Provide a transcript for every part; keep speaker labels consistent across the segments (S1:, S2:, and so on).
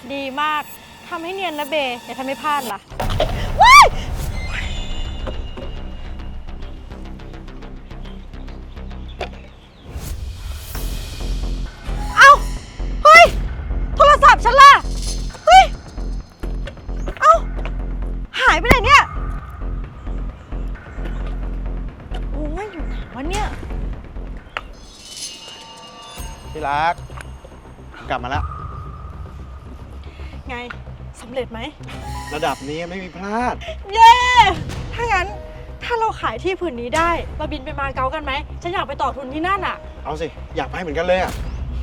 S1: ดีมากทำให้เนียนนะเบอย่าทำให้พลาดล่ะเอาเฮ้ยโทรศัพท์ฉันล่ะเฮ้ยเอาหายไปไหนเนี่ยโอ้ยอยู่ไหนวะเนี่ย
S2: ที่รักกลับมาแล้ว
S1: ไงสำเร็จไหม
S2: ระดับนี้ไม่มีพลาด
S1: เย้ถ้างั้นถ้าเราขายที่ผืนนี้ได้เราบินไปมาเก๊ากันไหมฉันอยากไปต่อทุนที่นั่นอ่ะ
S2: เอาสิอยากไปเหมือนกันเลยอ่ะ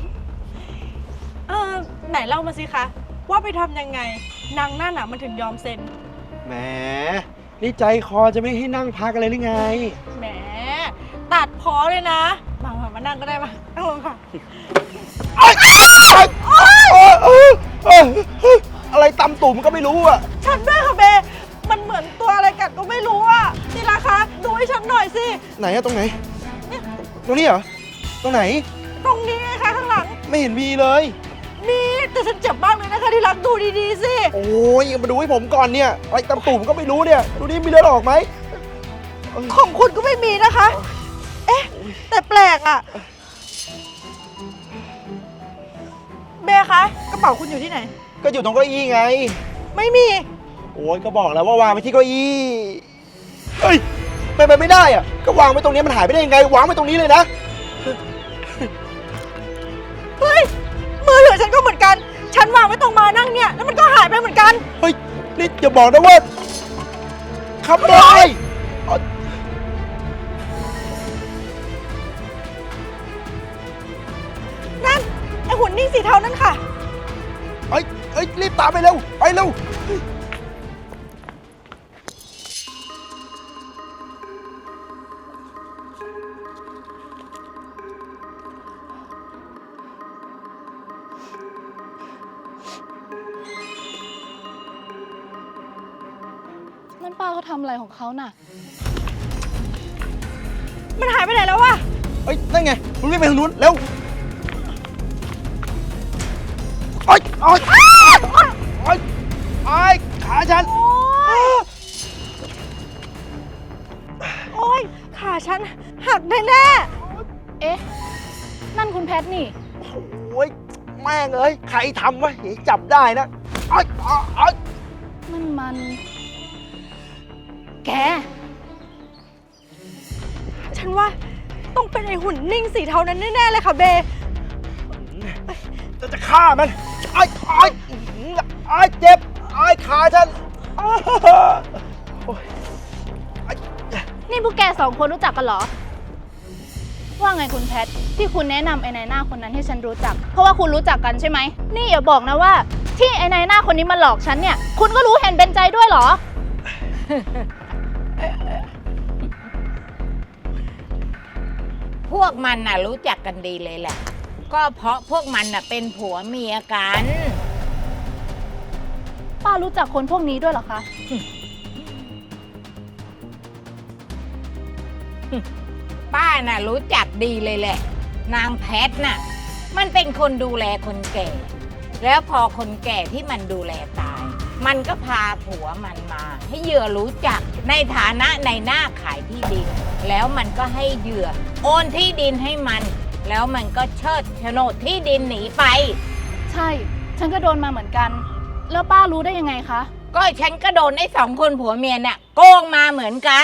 S1: ไหนเล่ามาสิคะว่าไปทำยังไงนางนั่นอ่ะมันถึงยอมเซ็น
S2: แหมนี่ใจคอจะไม่ให้นั่งพักอะไรหรือไง
S1: แหมตัดพอเลยนะมานั่งก็ได้มานั่งลงค่ะ
S2: อะไรตำตุ่มก็ไม่รู้อ่ะ
S1: ฉันด้วยค่ะเบมันเหมือนตัวอะไรกัดก็ไม่รู้อ่ะนี่ราคาดูให้ฉันหน่อยสิ
S2: ไหนอะตรงไหน ตรงนี้เหรอ ตรงไหน
S1: ตรงนี้ไงคะข้างหลัง
S2: ไม่เห็นมีเลย
S1: นี่แต่ฉันเจ็บมากเลยนะคะที่รักดูดีๆสิ
S2: โอ้ยมาดูให้ผมก่อนเนี่ย อะไรตำตุ่มก็ไม่รู้เนี่ย ดูนี่มีเลือดออกไหม
S1: ของคุณก็ไม่มีนะคะ เอ๊ะ แต่แปลกอ่ะ เบคะกระเป๋าคุณอยู่ที่ไหน
S2: ก็อยู่ตรงเก้าอี้ไง
S1: ไม่มี
S2: โอ้ยก็บอกแล้วว่าวางไปที่เก้าอี้ เฮ้ยเป็นไปไม่ได้อะก็วางไว้ตรงนี้มันหายไปได้ยังไง วางไว้ตรงนี้เลยนะ
S1: เฮ้ย มือถือฉันก็เหมือนกัน ฉันวางไว้ตรงมานั่งเนี่ย แล้วมันก็หายไปเหมือนกัน
S2: เฮ้ย นี่อย่าบอกนะว่าขโมย
S1: นั่น ไอหุ่นนิ่งสีเทานั่นค่ะ
S2: เฮ้ยเฮ้ย รีบตามไปเร็ว ไปเร็ว
S3: นั่นป้าเขาทำอะไรของเขาน่ะ
S1: มันหายไปไหนแล้ววะ
S2: เฮ้ย นั่นไงคุณรีบไปทางนู้น เร็วโอ๊ยโอ๊ยโอ๊ยโอ๊ยโอ๊ยขาฉัน
S1: โอ๊ย ขาฉันหักแน่
S3: เอ๊ะ นั่นคุณแพทนี่
S2: โอ้ย แม่งเอ้ย ใครทำวะเดี๋ยวจับได้นะโอ๊ยโอ๊ยโอ๊ย
S3: นั่นมัน แก
S1: ๆฉันว่าต้องเป็นไอหุ่นนิ่งสีเทานั้นแน่ๆเลยค่ะเบ
S2: จะฆ่ามันโอ๊ยโอ๊ยโอ๊ยเจ็บโอ๊ยขาฉันโอ๊ย
S3: นี่พวกแกสองคนรู้จักกันเหรอ ว่าไงคุณแพทที่คุณแนะนำไอ้นายหน้าคนนั้นให้ฉันรู้จัก เพราะว่าคุณรู้จักกันใช่ไหม นี่อย่าบอกนะว่า ที่ไอ้นายหน้าคนนี้มาหลอกฉันเนี่ย คุณก็รู้เห็นเป็นใจด้วยเหรอ
S4: พวกมันน่ะรู้จักกันดีเลยแหละ ก็เพราะพวกมันน่ะเป็นผัวเมียกัน
S3: ป้ารู้จักคนพวกนี้ด้วยเหรอคะ
S4: ป้าน่ะรู้จักดีเลยแหละ นางแพทน่ะ มันเป็นคนดูแลคนแก่ แล้วพอคนแก่ที่มันดูแลตาย มันก็พาผัวมันมา ให้เหยื่อรู้จักในฐานะในหน้าขายที่ดิน แล้วมันก็ให้เหยื่อโอนที่ดินให้มัน แล้วมันก็เชิดโฉนดที่ดินหนีไป
S3: ใช่ ฉันก็โดนมาเหมือนกัน แล้วป้ารู้ได้ยังไงคะ
S4: ก็ฉันก็โดนไอ้สองคนผัวเมียเนี่ยโกงมาเหมือนกัน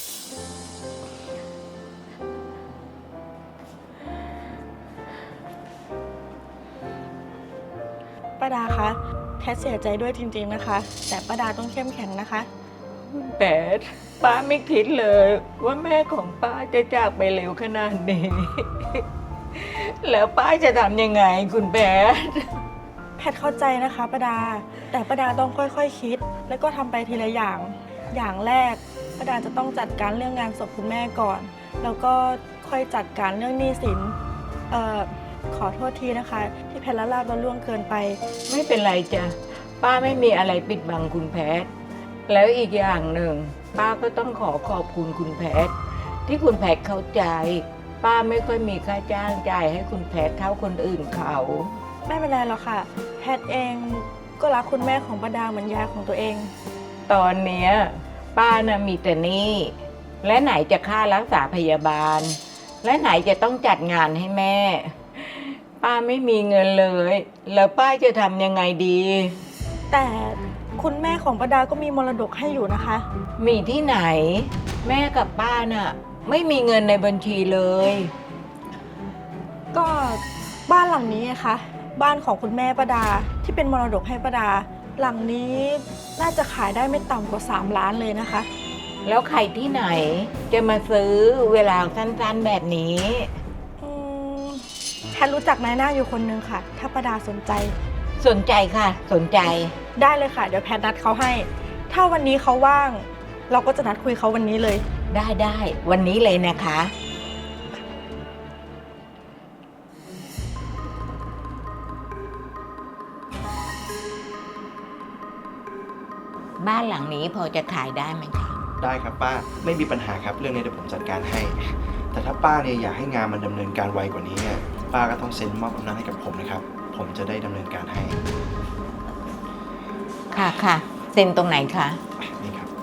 S1: ป้าดาคะแพทเสียใจด้วยจริงๆนะคะ แต่ป้าดาต้องเข้มแข็งนะคะ
S5: แปดป้าไม่คิดเลยว่าแม่ของป้าจะจากไปเร็วขนาดนี้ แล้วป้าจะทำยังไงคุณแปด
S1: แพทเข้าใจนะคะป้าดา แต่ป้าดาต้องค่อยๆคิด แล้วก็ทำไปทีละอย่าง อย่างแรกป้าดาจะต้องจัดการเรื่องงานศพคุณแม่ก่อน แล้วก็ค่อยจัดการเรื่องหนี้สินขอโทษทีนะคะ ที่แพทละลาบละล่วงเกินไป
S5: ไม่เป็นไรจ้ะป้าไม่มีอะไรปิดบังคุณแพทย์แล้วอีกอย่างหนึ่ง ป้าก็ต้องขอขอบคุณคุณแพทย์ที่คุณแพทย์เข้าใจ ป้าไม่ค่อยมีค่าจ้างจ่ายให้คุณแพทย์เท่าคนอื่นเขา
S1: ไม่เป็นไรหรอกค่ะ แพทเองก็รักคุณแม่ของป้าดาเหมือนยายของตัวเอง
S5: ตอนเนี้ยป้าน่ะมีแต่หนี้และไหนจะค่ารักษาพยาบาล และไหนจะต้องจัดงานให้แม่ ป้าไม่มีเงินเลย แล้วป้าจะทำยังไงดี
S1: แต่คุณแม่ของป้าดาก็มีมรดกให้อยู่นะคะ
S5: มีที่ไหน แม่กับป้าน่ะ ไม่มีเงินในบัญชีเลย
S1: ก็บ้านหลังนี้ไงคะบ้านของคุณแม่ป้าดาที่เป็นมรดกให้ป้าดา หลังนี้น่าจะขายได้ไม่ต่ำกว่า3 ล้านเลยนะคะ
S5: แล้วใครที่ไหนจะมาซื้อเวลาสั้นๆแบบนี้
S1: อืมแพทรู้จักนายหน้าอยู่คนนึงค่ะ ถ้าป้าดาสนใจ
S5: สนใจค่ะ สนใจ
S1: ได้เลยค่ะ เดี๋ยวแพทนัดเขาให้ ถ้าวันนี้เขาว่าง เราก็จะนัดคุยเขาวันนี้เลย
S5: ได้วันนี้เลยนะคะ บ้านหลังนี้พอจะขายได้ไหมคะ
S2: ได้ครับป้าไม่มีปัญหาครับเรื่องนี้เดี๋ยวผมจัดการให้ แต่ถ้าป้าเนี่ยอยากให้งานมันดำเนินการไวกว่านี้เนี่ยป้าก็ต้องเซ็นมอบอำนาจให้กับผมนะครับ ผมจะได้ดำเนินการให้
S5: ค่ะเซ็นตรงไหนคะ
S2: นี่ครับ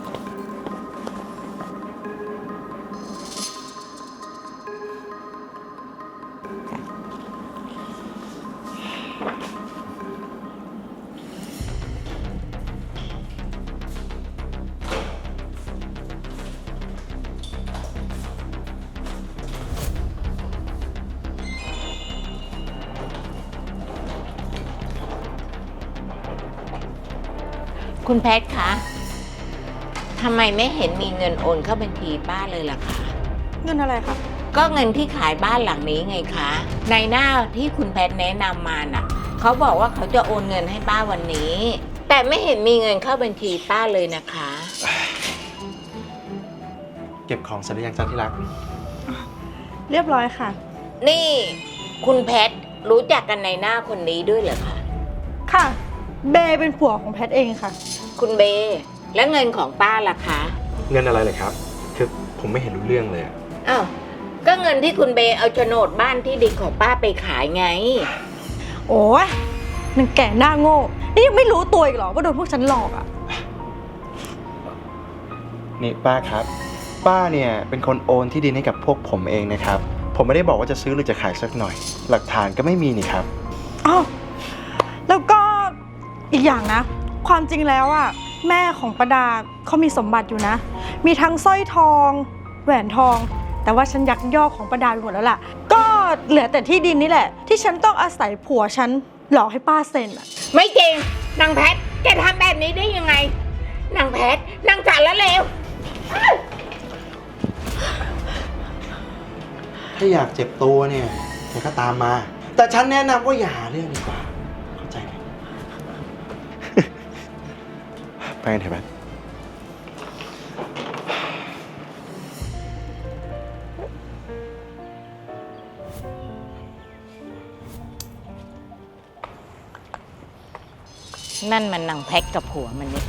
S5: คุณแพทย์คะทำไมไม่เห็นมีเงินโอนเข้าบัญชีป้าเลยล่ะคะ
S1: เงินอะไรคะ
S5: ก็เงินที่ขายบ้านหลังนี้ไงคะในหน้าที่คุณแพทย์แนะนำมาน่ะเขาบอกว่าเขาจะโอนเงินให้ป้าวันนี้ แต่ไม่เห็นมีเงินเข้าบัญชีป้าเลยนะคะ
S2: เก็บของเสร็จหรือยังจ๊ะที่รัก
S1: เรียบร้อยค่ะ
S5: นี่คุณแพทย์รู้จักกันในหน้าคนนี้ด้วยเหรอคะ
S1: ค่ะ เบย์เป็นผัวของแพทเองค่ะ
S5: คุณเบและเงินของป้าล่ะคะ
S2: เงินอะไรเลยครับ คือผมไม่เห็นรู้เรื่องเลยอะ
S5: อ้าวก็เงินที่คุณเบเอาโฉนดบ้านที่ดินของป้าไปขายไง
S1: โอ้ยนางแก่หน้าโง่ นี่ยังไม่รู้ตัวอีกเหรอว่าโดนพวกฉันหลอกอ่ะ
S2: นี่ป้าครับ ป้าเนี่ยเป็นคนโอนที่ดินให้กับพวกผมเองนะครับ ผมไม่ได้บอกว่าจะซื้อหรือจะขายสักหน่อย หลักฐานก็ไม่มีนี่ครับ
S1: อ้าว แล้วก็อีกอย่างนะ ความจริงแล้วอ่ะแม่ของประดาเขามีสมบัติอยู่นะ มีทั้งสร้อยทอง แหวนทอง แต่ว่าฉันยักยอกของประดาไปหมดแล้วล่ะ ก็เหลือแต่ที่ดินนี่แหละ ที่ฉันต้องอาศัยผัวฉันหลอกให้ป้าเซ็นอ่ะ
S5: ไม่จริงนางแพทแกทำแบบนี้ได้ยังไงนางแพทนางสารละเลว
S2: ถ้าอยากเจ็บตัวเนี่ยแกก็ตามมา แต่ฉันแนะนำว่าอย่าหาเรื่องดีกว่า เข้าใจไหม ไปกันเถอะแบท
S5: นั่นมันนางแพทกับผัวมันนี่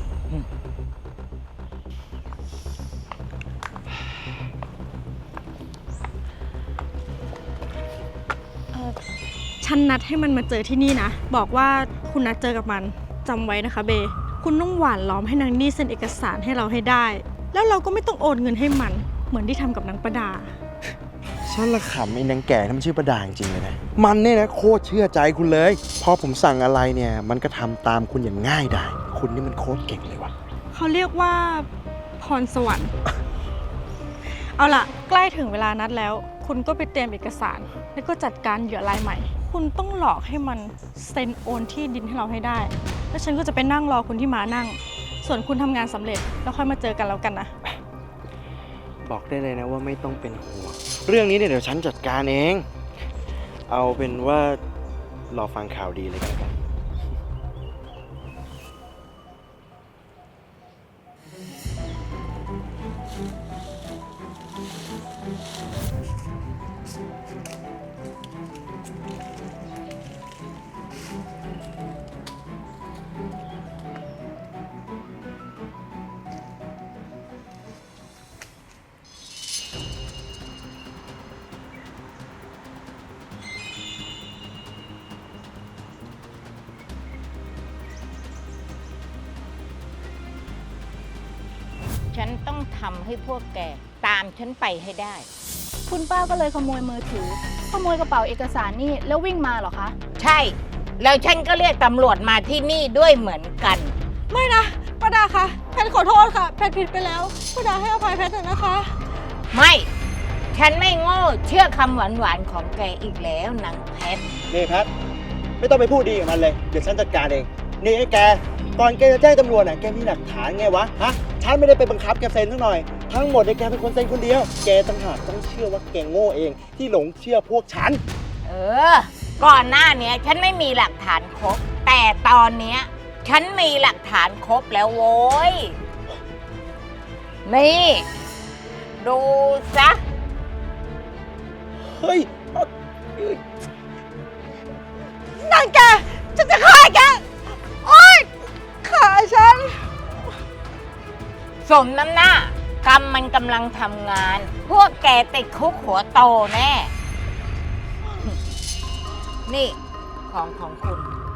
S1: ฉันนัดให้มันมาเจอที่นี่นะ บอกว่าคุณนัดเจอกับมันจำไว้นะคะเบ คุณต้องหวานล้อมให้นางนี่เซ็นเอกสารให้เราให้ได้ แล้วเราก็ไม่ต้องโอนเงินให้มัน เหมือนที่ทำกับนางประดา
S2: ฉันละขำไอ้นางแก่ที่มันชื่อประดาจริงๆเลยนะ มันเนี่ยนะโคตรเชื่อใจคุณเลย พอผมสั่งอะไรเนี่ยมันก็ทำตามคุณอย่างง่ายดายคุณนี่มันโคตรเก่งเลยว่ะ
S1: เขาเรียกว่าพรสวรรค์ เอาล่ะ ใกล้ถึงเวลานัดแล้ว คุณก็ไปเตรียมเอกสาร แล้วก็จัดการเหยื่อรายใหม่ คุณต้องหลอกให้มันเซ็นโอนที่ดินให้เราให้ได้ แล้วฉันก็จะไปนั่งรอคุณที่ม้านั่ง ส่วนคุณทำงานสำเร็จแล้วค่อยมาเจอกันแล้วกันนะ
S2: บอกได้เลยนะว่าไม่ต้องเป็นห่วง เรื่องนี้เนี่ยเดี๋ยวฉันจัดการเอง เอาเป็นว่ารอฟังข่าวดีเลยกันครับ
S4: ฉันต้องทำให้พวกแกตามฉันไปให้ได้
S3: คุณป้าก็เลยขโมยมือถือ ขโมยกระเป๋าเอกสารนี่แล้ววิ่งมาเหรอคะ
S4: ใช่ แล้วฉันก็เรียกตำรวจมาที่นี่ด้วยเหมือนกัน
S1: ไม่นะป้าดาคะแพทขอโทษค่ะแพทผิดไปแล้วป้าดาให้อภัยแพทเถอะนะคะ
S4: ไม่ ฉันไม่โง่เชื่อคำหวานๆของแกอีกแล้วนางแพท
S2: นี่แพทไม่ต้องไปพูดดีกับมันเลย เดี๋ยวฉันจัดการเอง นี่ไอ้แก ก่อนแกจะแจ้งตำรวจน่ะแกมีหลักฐานไงวะ ฮะ ฉันไม่ได้ไปบังคับแกเซ็นทั้งหน่อย ทั้งหมดเนี่ยแกเป็นคนเซ็นคนเดียว แกต่างหากต้องเชื่อว่าแกโง่เองที่หลงเชื่อพวกฉัน
S4: เออ ก่อนหน้าเนี้ยฉันไม่มีหลักฐานครบ แต่ตอนเนี้ยฉันมีหลักฐานครบแล้วโว้ย นี่ ดูซะ
S2: เฮ้ย
S1: นั่นแกฉันจะฆ่าแก โอ๊ยฆ่าฉัน
S4: สมน้ำหน้ากรรมมันกำลังทำงาน พวกแกติดคุกหัวโตแน่ นี่ของคุณ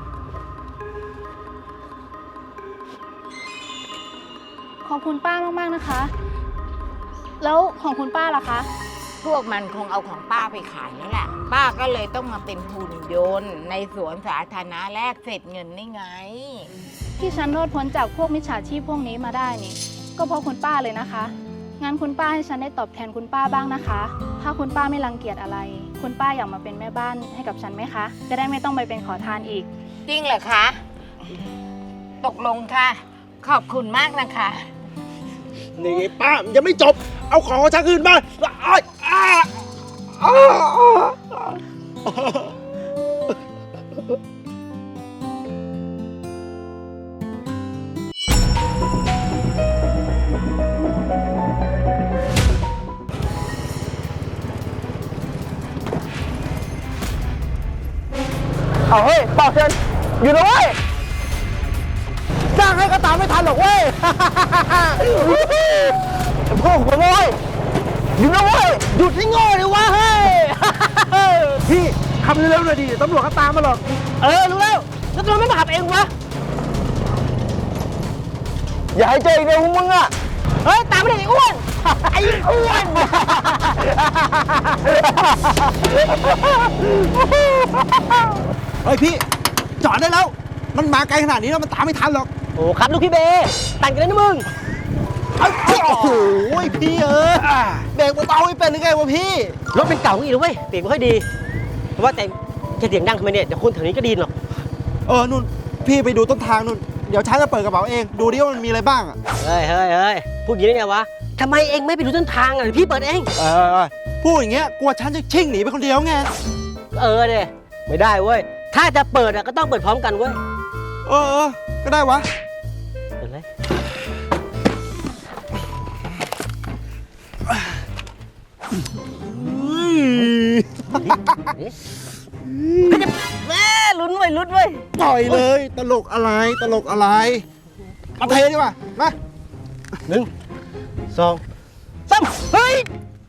S3: ขอบคุณป้ามากๆนะคะ แล้วของคุณป้าล่ะคะ
S4: พวกมันคงเอาของป้าไปขายแล้วแหละ ป้าก็เลยต้องมาเป็นหุ่นยนต์ในสวนสาธารณะแลกเศษเงินนี่ไง
S3: ที่ฉันรอดพ้นจากพวกมิจฉาชีพพวกนี้มาได้นี่ ก็เพราะคุณป้าเลยนะคะ งั้นคุณป้าให้ฉันได้ตอบแทนคุณป้าบ้างนะคะ ถ้าคุณป้าไม่รังเกียจอะไร คุณป้าอยากมาเป็นแม่บ้านให้กับฉันไหมคะ จะได้ไม่ต้องไปเป็นขอทานอีก
S4: จริงเหรอคะ ตกลงค่ะ ขอบคุณมากนะคะ
S2: นี่ป้ามันยังไม่จบ เอาของของฉันคืนมาอ้ายอ้าอ้าอ้า เอาเฮ้ยเปล่าเชิญอยู่นะเว้ยจ้างให้ก็ตามไม่ทันหรอกเว้ย พวกขโมยอยู่นะเว้ยหยุดให้โง่เลยวะเฮ้ย พี่ขับเร็วๆหน่อยดิตำรวจก็ตามมาหรอก รู้แล้วแล้วทำไมไม่มาขับเองวะ อย่าให้เจออีกเลยพวกมึงอ่ะ เฮ้ย ตามไม่ได้ไอ้อ้วน ไอ้อ้วน เฮ้ยพี่ จอดได้แล้ว มันมาไกลขนาดนี้แล้วมันตามไม่ทันหรอก
S6: โอ้ครับลูกพี่เบตันกันเลยนะมึง
S2: โอ้โหพี่เบรกเบาๆไม่เป็นหรือไงวะพี่
S6: รถเป็นเก่าอีกแล้วเว้ยเบรกไม่ค่อยดีแต่ว่าแต่จะเสียงดังทำไมเนี่ยเดี๋ยวคนแถวนี้ก็ไดีนหรอก
S2: นู่นพี่ไปดูต้นทางนู่น เดี๋ยวฉันจะเปิดกระเป๋าเอง ดูดิว่ามันมีอะไรบ้างอ่ะ
S6: เฮ้ยพูดอย่างนี้ได้ไงวะทำไมเองไม่ไปดูต้นทางอ่ะเดี๋ยวพี่เปิดเอง
S2: พูดอย่างเงี้ยกลัวฉันจะชิ่งหนีไปคนเดียวไง
S6: เนี่ยไม่ได้เว้ยถ้าจะเปิดอ่ะก็ต้องเปิดพร้อมกันเว้ย
S2: ก็ได้วะ
S6: เปิดเลยแม่ลุ้นเว้ย
S2: ปล่อยเลย ตลกอะไร มาเทดีกว่า มา
S6: 1 2 3เฮ้ย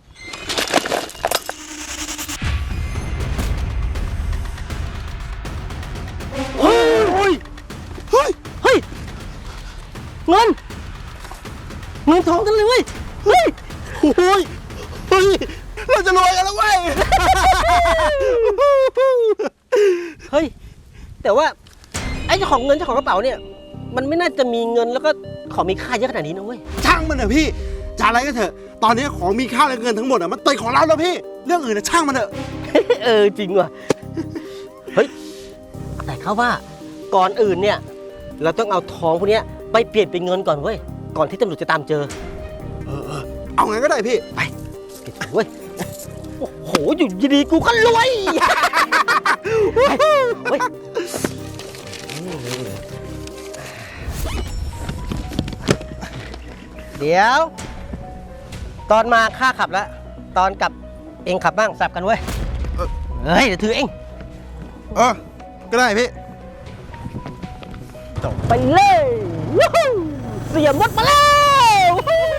S6: เฮ้ยเงินทองกันเลยเว้ยเฮ้ย
S2: เราจะรวยกันแล้วเว้ย
S6: เฮ้ย แต่ว่าไอ้เจ้าของเงินเจ้าของกระเป๋าเนี่ยมันไม่น่าจะมีเงินแล้วก็ของมีค่าเยอะขนาดนี้นะเว้ย
S2: ช่างมันเถอะพี่ จะอะไรก็เถอะ ตอนนี้ของมีค่าและเงินทั้งหมดมันติดของเราแล้วพี่ เรื่องอื่นช่างมันเถอะ
S6: จริงว่ะ เฮ้ย แต่เขาว่าก่อนอื่นเนี่ย เราต้องเอาทองพวกเนี้ยไปเปลี่ยนเป็นเงินก่อนเว้ย ก่อนที่ตำรวจจะตามเจอ
S2: เอางั้นก็ได้พี่
S6: ไปเก็บตังค์เว้ย โอ้โห อยู่ดีๆกูก็รวยไปเว้ยเดี๋ยว ตอนมาข้าขับแล้ว ตอนกลับเองขับบ้างสับกันเว้ย เฮ้ย เดี๋ยวถือเอง
S2: ก็ได้พี่
S6: ไปเลยวู้ฮู้เสียมดมาแล้ว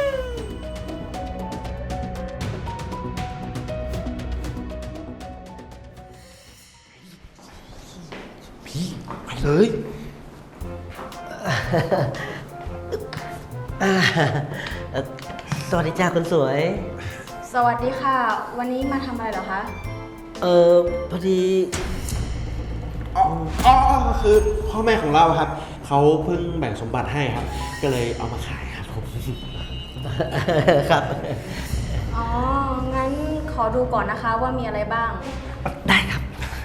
S2: ไปเลย
S6: เสวัสดีจ้าคนสวย
S7: สวัสดีค่ะ วันนี้มาทำอะไรเหรอคะ
S6: พอดี
S8: อ๋อคือพ่อแม่ของเราครับ เขาเพิ่งแบ่งสมบัติให้ครับ ก็เลยเอามาขายครับผม
S6: ครับ
S7: อ๋อ งั้นขอดูก่อนนะคะว่ามีอะไรบ้าง
S6: ได้ครับ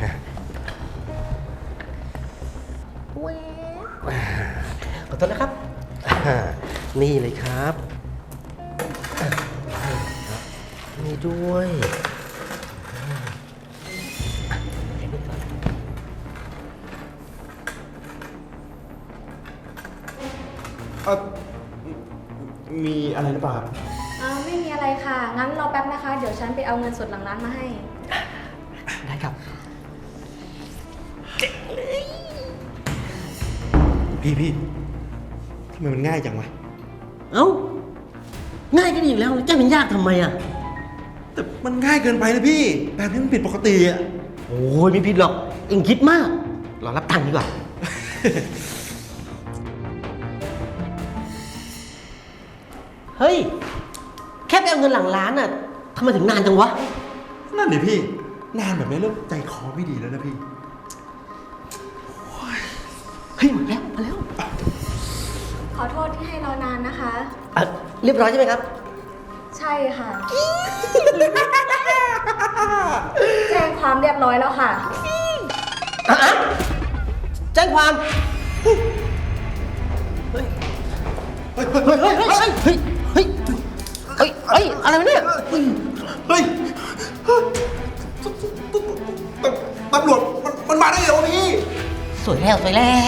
S6: ขอโทษนะครับ นี่เลยครับนี่ด้วย
S8: มีอะไรหรือเปล่าครับ
S7: ไม่มีอะไรค่ะ งั้นรอแป๊บนะคะ เดี๋ยวฉันไปเอาเงินสดหลังร้านมาให้
S6: ได้ครับ
S8: พี่ทำไมมันง่ายจังวะ
S6: เอ้า ง่ายก็ดีอยู่แล้วจะเป็นยากทำไมอ่ะ
S8: แต่มันง่ายเกินไปนะพี่ แบบนี้มันผิดปกติอะ
S6: โอ้ยไม่ผิดหรอก เอ็งคิดมาก รอรับตังค์ดีกว่า เฮ้ย แค่ไปเอาเงินหลังร้านน่ะทำไมถึงนานจังวะ
S8: นั่นดิพี่ นานแบบนี้เริ่มใจคอไม่ดีแล้วนะพี่
S6: เฮ้ย มาแล้ว มาแล้ว
S7: ขอโทษที่ให้รอนานนะคะ
S6: เรียบร้อยใช่ไหมครับ
S7: ใช่ค่ะ แจ้งความเรียบร้อยแล้วค่ะ
S6: แจ้งความ เฮ้ย เฮ้ย เฮ้ย เฮ้ย เฮ้ย เฮ้ย เฮ้ย เฮ้ย เฮ้ย อะไรวะเนี่ย
S8: เฮ้ยตำรวจมันมาได้เหรอวะพี่
S6: สวยแล้ว สวยแล้ว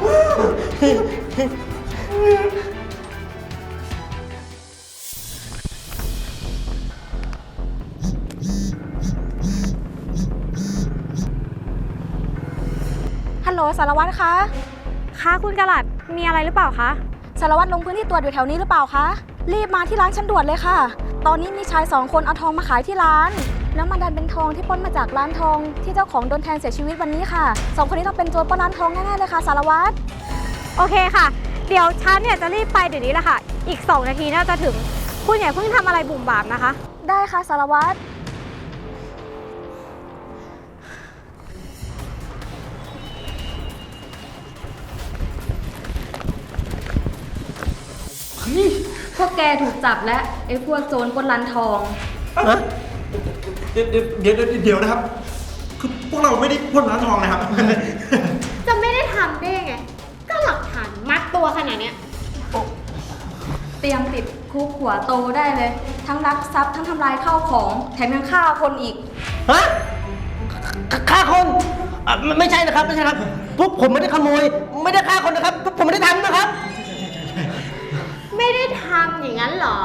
S7: ฮัลโหลสารวัตรคะ
S9: คะคุณกะหลัดมีอะไรหรือเปล่าคะ
S7: สารวัตรลงพื้นที่ตรวจอยู่แถวนี้หรือเปล่าคะ รีบมาที่ร้านฉันด่วนเลยค่ะ ตอนนี้มีชาย2 คนเอาทองมาขายที่ร้าน แล้วมันดันเป็นทองที่ปล้นมาจากร้านทองที่เจ้าของโดนแทงเสียชีวิตวันนี้ค่ะ2 คนนี้ต้องเป็นโจรปล้นร้านทองแน่ๆเลยค่ะสารวัตร
S9: โอเคค่ะ เดี๋ยวฉันเนี่ยจะรีบไปเดี๋ยวนี้แหละค่ะ อีก2 นาทีน่าจะถึง คุณอย่าเพิ่งทำอะไรบุ่มบามนะคะ
S7: ได้ค่ะสารวัตร พวกแกถูกจับและไอ้พวกโจรปล้นร้านทอง
S8: เดี๋ยวนะครับ คือพวกเราไม่ได้ปล้นร้านทองนะครับ
S9: จะไม่ได้ทำได้ไง ก็หลักฐานมัดตัวขนาดเนี้ย
S7: เตรียมติดคุกหัวโตได้เลย ทั้งลักทรัพย์ทั้งทำลายข้าวของ แถมยังฆ่าคนอีก
S6: ฮะฆ่าคนไม่ใช่นะครับ ไม่ใช่ครับ พวกผมไม่ได้ขโมย ไม่ได้ฆ่าคนนะครับ พวกผมไม่ได้ทำนะครับ
S9: ไม่ได้ทำอย่างนั้นเหรอ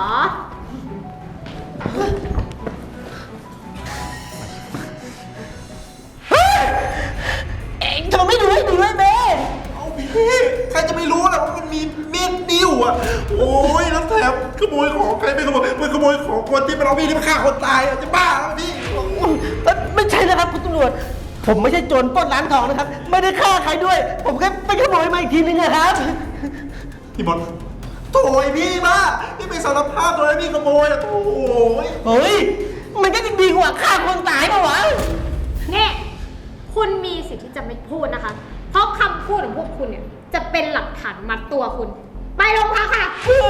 S6: เอ็งทำไมไม่ดูให้ดีด้วยเบน
S8: เอาพี่ใครจะไม่รู้ล่ะว่ามันมีเม็ดดิ้วอ่ะ โอ้ยแล้วแถมขโมยของใครไม่ขโมยมันขโมยของคนที่มันเอามีดที่มาฆ่าคนตายอ่ะจะบ้าแล้วพี่
S6: ไม่ใช่นะครับคุณตำรวจ ผมไม่ใช่โจรปล้นร้านทองนะครับ ไม่ได้ฆ่าใครด้วย ผมแค่ไปขโมยมาอีกทีนึงนะครับ
S8: พี่บอลโถ่ไอ้พี่บ้าพี่ไปสารภาพตัวนั้นพี่ขโมยอ่ะโถ่ย
S6: เฮ้ย มันก็จะดีกว่าฆ่าคนตายปะวะ
S9: เนี่ย คุณมีสิทธิ์ที่จะไม่พูดนะคะ เพราะคำพูดของพวกคุณเนี่ยจะเป็นหลักฐานมัดตัวคุณ ไปโรงพักค่ะ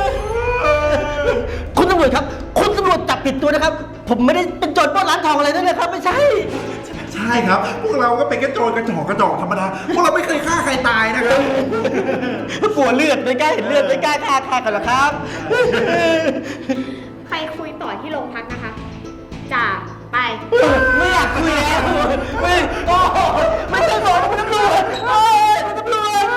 S6: คุณตำรวจครับ คุณตำรวจจับผิดตัวนะครับ ผมไม่ได้เป็นโจรปล้นร้านทองอะไรนั่นนะครับ ไม่ใช่
S8: ใช่ครับ พวกเราก็เป็นแค่โจรกระจอกธรรมดา พวกเราไม่เคยฆ่าใครตายนะครับ
S6: กลัวเลือดไม่กล้าเห็นเลือดไม่กล้าฆ่ากันหรอครับ
S9: ไปคุยต่อที่โรงพักนะคะจ่าไป
S6: ไม่อยากคุยแล้วไม่โอ้ไม่ใช่หมอคุณตำรวจโอ้ยคุณตำรวจ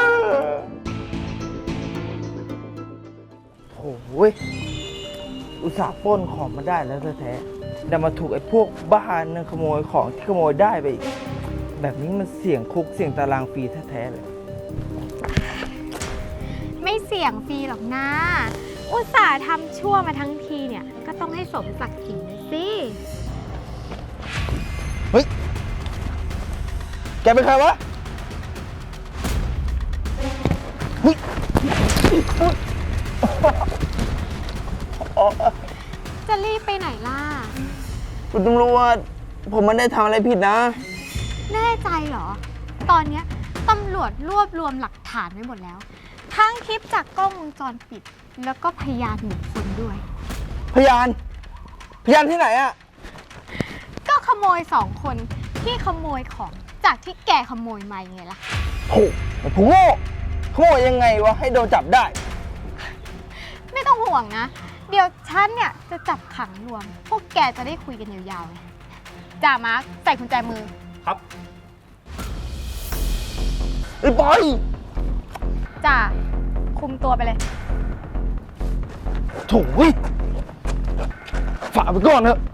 S10: โอ้ยอุตส่าห์ปล้นของมาได้แล้วแท้ๆแต่มาถูกไอ้พวกบ้านนึงขโมยของที่ขโมยได้ไปอีก แบบนี้มันเสี่ยงคุกเสี่ยงตารางฟรีแท้ๆเลย
S9: ไม่เสี่ยงฟรีหรอกนะ อุตส่าห์ทำชั่วมาทั้งทีเนี่ย ก็ต้องให้สมศักดิ์ศรีหน่อยสิ
S10: เฮ้ย แกเป็นใครวะเฮ้ยโอ้
S9: จะรีบไปไหนล่ะ
S10: คุณตำรวจผมไม่ได้ทำอะไรผิดนะ
S9: แน่ใจเหรอ ตอนเนี้ยตำรวจรวบรวมหลักฐานไว้หมดแล้ว ทั้งคลิปจากกล้องวงจรปิด แล้วก็พยานบุคคลด้วย
S10: พยานที่ไหนอะ
S9: ก็ขโมย2 คนที่ขโมยของจากที่แกขโมยมาไงล่ะ
S10: โหผมโง่ขโมยยังไงวะให้โดนจับได้
S9: ไม่ต้องห่วงนะ เดี๋ยวฉันเนี่ยจะจับขังรวม พวกแกจะได้คุยกันยาวๆเลยจ่ามาร์คใส่กุญแจมือ
S6: ครับ
S10: ไอ้บอย
S9: จ่าคุมตัวไปเลย
S10: โถ่ฝากไปก่อนเถอะ